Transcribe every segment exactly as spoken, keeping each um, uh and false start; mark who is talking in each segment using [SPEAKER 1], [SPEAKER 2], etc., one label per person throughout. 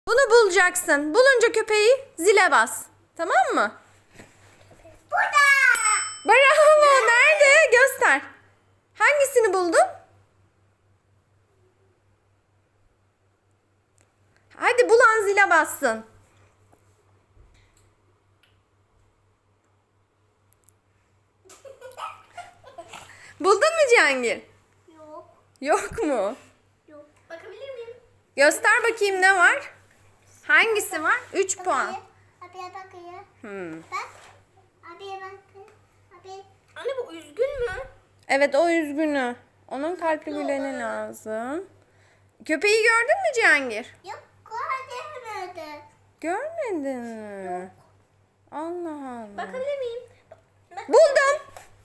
[SPEAKER 1] Bunu bulacaksın. Bulunca köpeği zile bas. Tamam mı?
[SPEAKER 2] Burada.
[SPEAKER 1] Bravo. Nerede? Göster. Hangisini buldun? Hadi bulan zile bassın. Buldun mu Cihangir?
[SPEAKER 2] Yok.
[SPEAKER 1] Yok mu?
[SPEAKER 2] Yok. Bakabilir miyim?
[SPEAKER 1] Göster bakayım ne var? Hangisi var? üç puan.
[SPEAKER 2] Abiye bakıyor.
[SPEAKER 1] Hmm.
[SPEAKER 2] Bak. Abiye bakın. Abi. Anne bu üzgün mü?
[SPEAKER 1] Evet o üzgünü. Onun kalpli güleni lazım. Köpeği gördün mü Cihangir?
[SPEAKER 2] Yok. Görmedi.
[SPEAKER 1] Görmedin mi? Allah Allah.
[SPEAKER 2] Bakabilir miyim? Bak.
[SPEAKER 1] Buldum.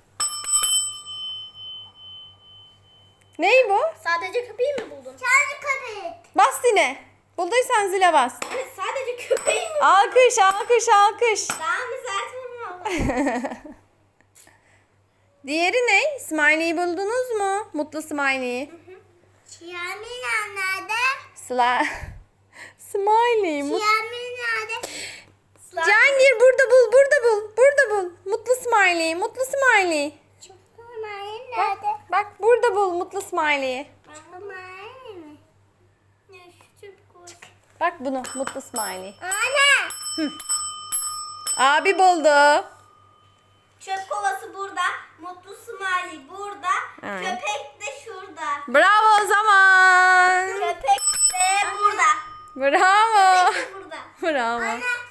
[SPEAKER 1] Ney bu?
[SPEAKER 2] Sadece köpeği mi buldun? Sadece köpek.
[SPEAKER 1] Bas yine. Bulduysan zile bas.
[SPEAKER 2] Evet sadece köpeği mi?
[SPEAKER 1] Alkış, alkış, alkış.
[SPEAKER 2] Daha mı sert vurma?
[SPEAKER 1] Diğeri ne? Smiley'i buldunuz mu? Mutlu Smiley'i.
[SPEAKER 2] Şiyamin nerede?
[SPEAKER 1] Sıla. Smiley. Mut...
[SPEAKER 2] Şiyamin nerede?
[SPEAKER 1] Cihangir burada bul, burada bul, burada bul. Mutlu Smiley, mutlu Smiley.
[SPEAKER 2] Çok normal
[SPEAKER 1] Bak,
[SPEAKER 2] nerede?
[SPEAKER 1] bak burada bul mutlu Smiley'i.
[SPEAKER 2] Normal mi? Ne şu çöp koy.
[SPEAKER 1] Bak bunu, mutlu Smiley.
[SPEAKER 2] Anne.
[SPEAKER 1] Abi buldu.
[SPEAKER 2] Çöp kovası burada. Mutlu Smiley burada.
[SPEAKER 1] Evet.
[SPEAKER 2] Köpek de şurada.
[SPEAKER 1] Bravo o zaman.
[SPEAKER 2] Köpek de burada.
[SPEAKER 1] Bravo.
[SPEAKER 2] Köpek de burada.
[SPEAKER 1] Bravo.
[SPEAKER 2] Anne